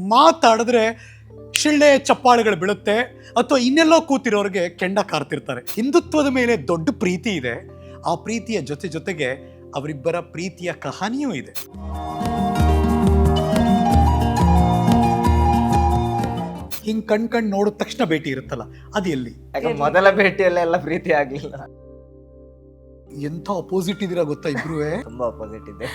ಮಾತಾಡಿದ್ರೆ ಶಿಳ್ಳೆ ಚಪ್ಪಾಳೆಗಳು ಬೀಳುತ್ತೆ, ಅಥವಾ ಇನ್ನೆಲ್ಲೋ ಕೂತಿರೋರಿಗೆ ಕೆಂಡ ಕಾರ್ತಿರ್ತಾರೆ. ಹಿಂದುತ್ವದ ಮೇಲೆ ದೊಡ್ಡ ಪ್ರೀತಿ ಇದೆ. ಆ ಪ್ರೀತಿಯ ಜೊತೆಗೆ ಅವರಿಬ್ಬರ ಪ್ರೀತಿಯ ಕಹಾನಿಯೂ ಇದೆ. ಹಿಂಗ್ ಕಣ್ ನೋಡಿದ ತಕ್ಷಣ ಭೇಟಿ ಇರುತ್ತಲ್ಲ, ಅದು ಎಲ್ಲಿ? ಮೊದಲ ಭೇಟಿಯಲ್ಲೆಲ್ಲ ಪ್ರೀತಿ ಆಗ್ಲಿಲ್ಲ. ಎಂಥ ಅಪೋಸಿಟ್ ಇದೀರಾ ಗೊತ್ತಾ ಇಬ್ರು? ತುಂಬಾ ಅಪೋಸಿಟ್ ಇದೆ.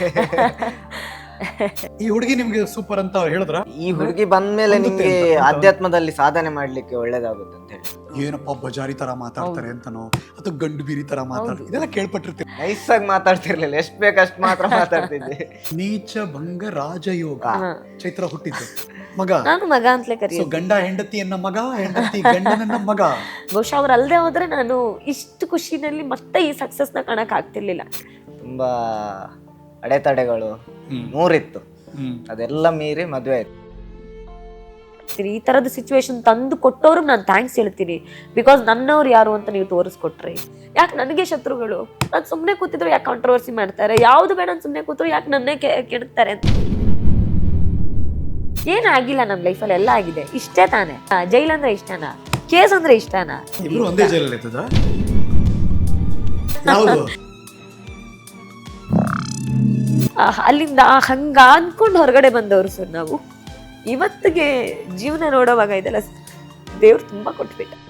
ಈ ಹುಡುಗಿ ನಿಮ್ಗೆ ಸೂಪರ್ ಅಂತ ಹೇಳಿದ್ರ? ಈ ಹುಡುಗಿ ಬಂದ್ಮೇಲೆ ನಿಮ್ಗೆ ಆಧ್ಯಾತ್ಮದಲ್ಲಿ ಸಾಧನೆ ಮಾಡ್ಲಿಕ್ಕೆ ಒಳ್ಳೇದಾಗುತ್ತೆ ಅಂತ ಹೇಳಿ. ಏನಪ್ಪ ಬಜಾರಿ ತರ ಮಾತಾಡ್ತಾರೆ ಅಂತನೋ ಅಥವಾ ಗಂಡು ಬೀರಿ ತರ ಮಾತಾಡ್ತಾರೆ, ಇದೆಲ್ಲ ಕೇಳ್ಪಟ್ಟಿರ್ತೀವಿ. ನೈಸ್ ಆಗಿ ಮಾತಾಡ್ತಿರ್ಲಿಲ್ಲ, ಎಷ್ಟ್ ಬೇಕಷ್ಟ್ ಮಾತ್ರ ಮಾತಾಡ್ತಿದ್ದೆ. ನೀಚ ಭಂಗ ರಾಜಯೋಗ. ಚೈತ್ರ ಹುಟ್ಟಿದ್ದು ಮಗ, ನಾನು ಮಗ ಅಂತಲೇ ಕರೀ. ಗಂಡ ಹೆಂಡತಿಯನ್ನ ಮಗ, ಹೆಂಡತಿ ಗಂಡನನ್ನ ಮಗ. ಬಹುಶಃ ಅವ್ರು ಅಲ್ಲದೆ ಹೋದ್ರೆ ನಾನು ಇಷ್ಟು ಖುಷಿನಲ್ಲಿ ಮತ್ತೆ ಈ ಸಕ್ಸಸ್ ನ ಕಾಣಕ್ ಆಗ್ತಿರ್ಲಿಲ್ಲ. ತುಂಬಾ ಅಡೆತಡೆಗಳು ನೂರಿತ್ತು, ಅದೆಲ್ಲ ಮೀರಿ ಮದ್ವೆ ಆಯ್ತು. ಈ ತರದ ಸಿಚುವೇಶನ್ ತಂದು ಕೊಟ್ಟವ್ರಿಗೆ ನಾನು ಥ್ಯಾಂಕ್ಸ್ ಹೇಳ್ತೀನಿ. ಬಿಕಾಸ್ ನನ್ನವ್ರು ಯಾರು ಅಂತ ನೀವು ತೋರಿಸ್ಕೊಟ್ರಿ. ಯಾಕೆ ನನಗೆ ಶತ್ರುಗಳು? ನಾನು ಸುಮ್ಮನೆ ಕೂತಿದ್ರು ಯಾಕೆ ಕಾಂಟ್ರವರ್ಸಿ ಮಾಡ್ತಾರೆ? ಯಾವ್ದು ಬೇಡ ನಾನು ಸುಮ್ಮನೆ ಕೂತ್ರು ಯಾಕೆ ನನ್ನೇ ಕೆಡುತ್ತಾರೆ ಅಂತ. ಏನಾಗಿಲ್ಲ ನಮ್ಮ ಲೈಫಲ್ಲಿ, ಎಲ್ಲ ಆಗಿದೆ. ಇಷ್ಟೇ ತಾನೆ. ಜೈಲ್ ಅಂದ್ರೆ ಇಷ್ಟನಾ? ಕೇಸ್ ಅಂದ್ರೆ ಇಷ್ಟನಾ? ಇಬ್ರು ಒಂದೇ ಜೈಲಲ್ಲಿ ಇರ್ತದ? ಯಾವುದು? ಅಲ್ಲಿಂದ ಹಂಗ ಅನ್ಕೊಂಡು ಹೊರಗಡೆ ಬಂದವರು ಸರ್ ನಾವು. ಇವತ್ತಿಗೆ ಜೀವನ ನೋಡೋವಾಗ ಇದೆಲ್ಲ ದೇವ್ರು ತುಂಬಾ ಕೊಟ್ಬಿಟ್ಟ.